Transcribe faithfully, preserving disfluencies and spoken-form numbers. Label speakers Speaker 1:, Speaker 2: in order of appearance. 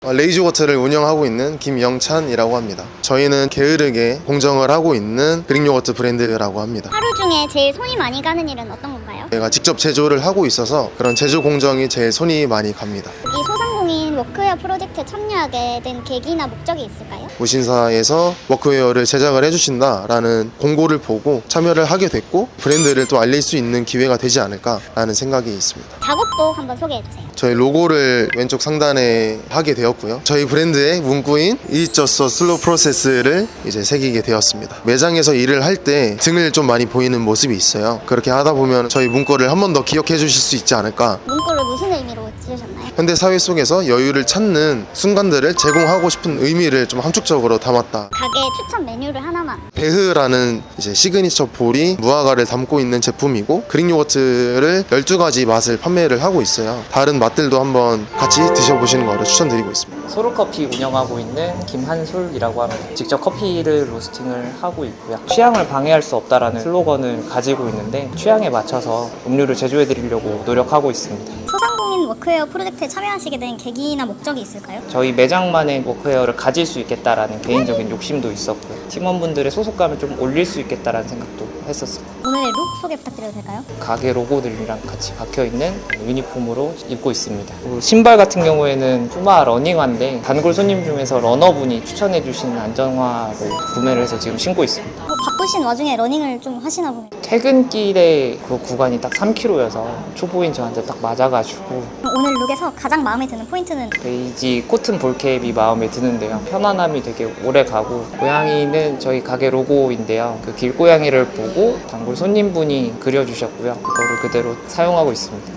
Speaker 1: 레이즈요거트를 운영하고 있는 김영찬이라고 합니다. 저희는 게으르게 공정을 하고 있는 그릭요거트 브랜드라고 합니다.
Speaker 2: 하루 중에 제일 손이 많이 가는 일은 어떤 건가요?
Speaker 1: 제가 직접 제조를 하고 있어서 그런 제조 공정이 제일 손이 많이 갑니다.
Speaker 2: 이 소상공인 워크웨어 프로젝트에 참여하게 된 계기나 목적이 있을까요?
Speaker 1: 무신사에서 워크웨어를 제작을 해주신다라는 공고를 보고 참여를 하게 됐고 브랜드를 또 알릴 수 있는 기회가 되지 않을까라는 생각이 있습니다.
Speaker 2: 작업복 한번 소개해주세요.
Speaker 1: 저희 로고를 왼쪽 상단에 하게 되었고요. 저희 브랜드의 문구인 It's just a slow process를 이제 새기게 되었습니다. 매장에서 일을 할 때 등을 좀 많이 보이는 모습이 있어요. 그렇게 하다 보면 저희 문구를 한 번 더 기억해 주실 수 있지 않을까.
Speaker 2: 문구를 무슨 의미로 지으셨나요?
Speaker 1: 현대 사회 속에서 여유를 찾는 순간들을 제공하고 싶은 의미를 좀 함축적으로 담았다.
Speaker 2: 가게 추천 메뉴를 하나만.
Speaker 1: 베흐라는 이제 시그니처 볼이 무화과를 담고 있는 제품이고 그릭요거트를 열두 가지 맛을 판매를 하고 있어요. 다른 맛들도 한번 같이 드셔보시는 거를 추천드리고 있습니다.
Speaker 3: 소르커피 운영하고 있는 김한솔이라고 합니다. 직접 커피를 로스팅을 하고 있고요. 취향을 방해할 수 없다라는 슬로건을 가지고 있는데 취향에 맞춰서 음료를 제조해 드리려고 노력하고 있습니다.
Speaker 2: 소상공인 워크웨어 프로젝트에 참여하시게 된 계기나 목적이 있을까요?
Speaker 3: 저희 매장만의 워크웨어를 가질 수 있겠다라는 개인적인 욕심도 있었고요. 팀원분들의 소속감을 좀 올릴 수 있겠다라는 생각도 했었어요.
Speaker 2: 오늘의 룩 소개 부탁드려도 될까요?
Speaker 3: 가게 로고들이랑 같이 박혀있는 유니폼으로 입고 있습니다. 그리고 신발 같은 경우에는 푸마 러닝화인데 단골 손님 중에서 러너분이 추천해주신 안전화를 구매를 해서 지금 신고 있습니다.
Speaker 2: 어, 바쁘신 와중에 러닝을 좀 하시나 보네요.
Speaker 3: 퇴근길에 그 구간이 딱 삼 킬로미터여서 초보인 저한테 딱 맞아가지고
Speaker 2: 오늘 룩에서 가장 마음에 드는 포인트는?
Speaker 3: 베이지 코튼 볼캡이 마음에 드는데요. 편안함이 되게 오래 가고 고양이는 저희 가게 로고인데요. 그 길고양이를 보고 단골 손님분이 그려주셨고요. 그거를 그대로 사용하고 있습니다.